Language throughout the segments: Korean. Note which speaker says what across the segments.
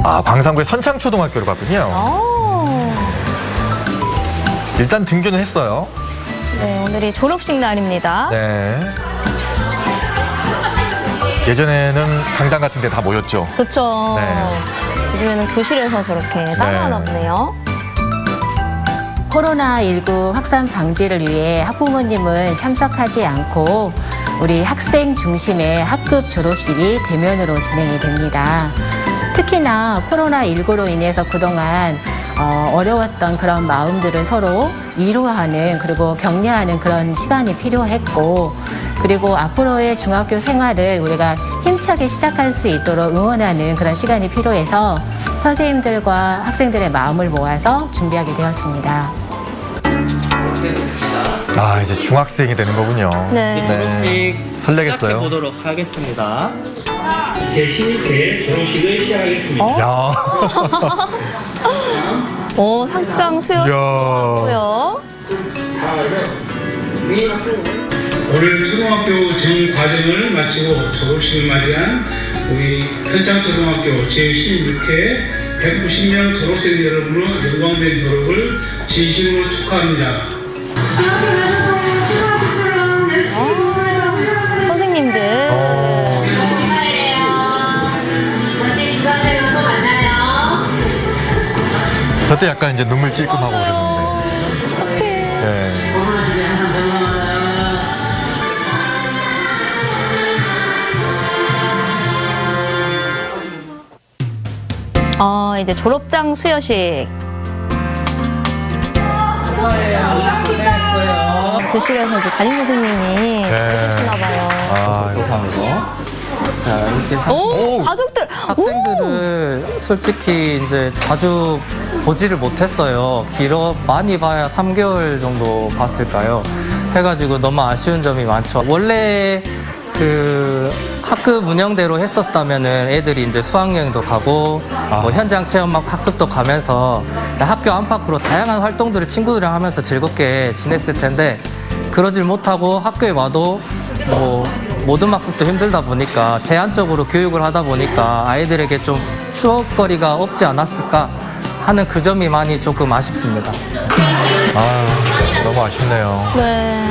Speaker 1: 아, 광산구의 선창초등학교로 갔군요. 일단 등교는 했어요.
Speaker 2: 네, 오늘이 졸업식 날입니다.
Speaker 1: 네. 예전에는 강당 같은 데 다 모였죠.
Speaker 2: 그렇죠.
Speaker 1: 네.
Speaker 2: 요즘에는 교실에서 저렇게 따라하나 보네요.
Speaker 3: 코로나19 확산 방지를 위해 학부모님은 참석하지 않고 우리 학생 중심의 학급 졸업식이 대면으로 진행이 됩니다. 특히나 코로나19로 인해서 그동안 어려웠던 그런 마음들을 서로 위로하는 그리고 격려하는 그런 시간이 필요했고, 그리고 앞으로의 중학교 생활을 우리가 힘차게 시작할 수 있도록 응원하는 그런 시간이 필요해서 선생님들과 학생들의 마음을 모아서 준비하게 되었습니다.
Speaker 1: 아, 이제 중학생이 되는 거군요.
Speaker 2: 네.
Speaker 1: 네. 설레겠어요.
Speaker 4: 보도록 하겠습니다.
Speaker 5: 제16회 졸업식을 시작하겠습니다.
Speaker 1: 야.
Speaker 2: 오, 상장 수여고요.
Speaker 5: 올해 초등학교 전 과정을 마치고 졸업식을 맞이한 우리 선창초등학교 제16회 190명 졸업생 여러분의 영광된 졸업을 진심으로 축하합니다.
Speaker 2: 선생님들.
Speaker 1: 저때 약간 이제 눈물 찔끔하고 그랬는데. 네.
Speaker 2: 이제 졸업장 수여식. 교실에서 이제 담임 선생님이 해주시나 봐요.
Speaker 1: 아, 이거
Speaker 4: 하는 거. 자, 이렇게
Speaker 2: 오,
Speaker 1: 오!
Speaker 2: 가족들.
Speaker 4: 학생들을 솔직히 이제 자주 보지를 못했어요. 많이 봐야 3개월 정도 봤을까요? 해가지고 너무 아쉬운 점이 많죠. 원래 그 학급 운영대로 했었다면은 애들이 이제 수학여행도 가고 뭐 현장 체험 학습도 가면서 학교 안팎으로 다양한 활동들을 친구들이랑 하면서 즐겁게 지냈을 텐데, 그러질 못하고 학교에 와도 뭐 모든 학습도 힘들다 보니까 제한적으로 교육을 하다 보니까 아이들에게 좀 추억거리가 없지 않았을까 하는 그 점이 많이 조금 아쉽습니다.
Speaker 1: 아, 너무 아쉽네요.
Speaker 2: 네.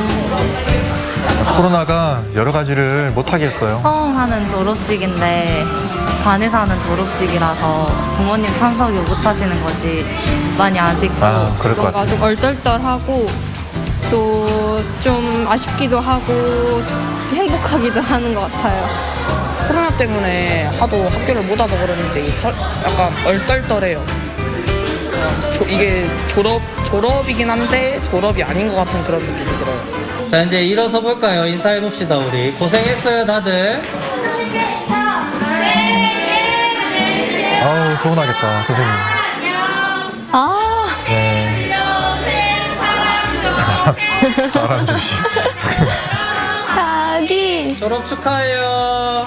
Speaker 1: 코로나가 여러 가지를 못하게 했어요.
Speaker 6: 처음 하는 졸업식인데 반에서 하는 졸업식이라서 부모님 참석이 못하시는 것이 많이 아쉽고
Speaker 1: 그럴 것
Speaker 7: 뭔가
Speaker 1: 같아요.
Speaker 7: 좀 얼떨떨하고 또 좀 아쉽기도 하고 행복하기도 하는 것 같아요.
Speaker 8: 코로나 때문에 하도 학교를 못 와서 그런지 약간 얼떨떨해요. 이게 졸업이긴 한데 졸업이 아닌 것 같은 그런 느낌이 들어요.
Speaker 4: 자, 이제 일어서 볼까요? 인사해봅시다. 우리 고생했어요, 다들.
Speaker 1: 아우, 서운하겠다, 선생님.
Speaker 2: 아,
Speaker 1: 네. 사람 조심.
Speaker 2: 닭이.
Speaker 4: 졸업 축하해요.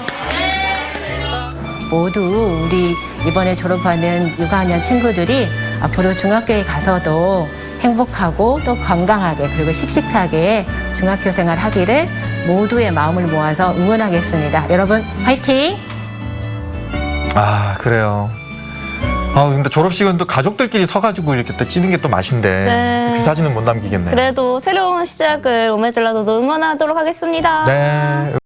Speaker 3: 모두 우리 이번에 졸업하는 6학년 친구들이 앞으로 중학교에 가서도 행복하고 또 건강하게 그리고 씩씩하게 중학교 생활 하기를 모두의 마음을 모아서 응원하겠습니다. 여러분 화이팅!
Speaker 1: 아, 그래요. 아, 근데 졸업식은 또 가족들끼리 서가지고 이렇게 또 찍는 게 또 맛인데
Speaker 2: 네.
Speaker 1: 그 사진은 못 남기겠네.
Speaker 2: 그래도 새로운 시작을 오메젤라도도 응원하도록 하겠습니다.
Speaker 1: 네.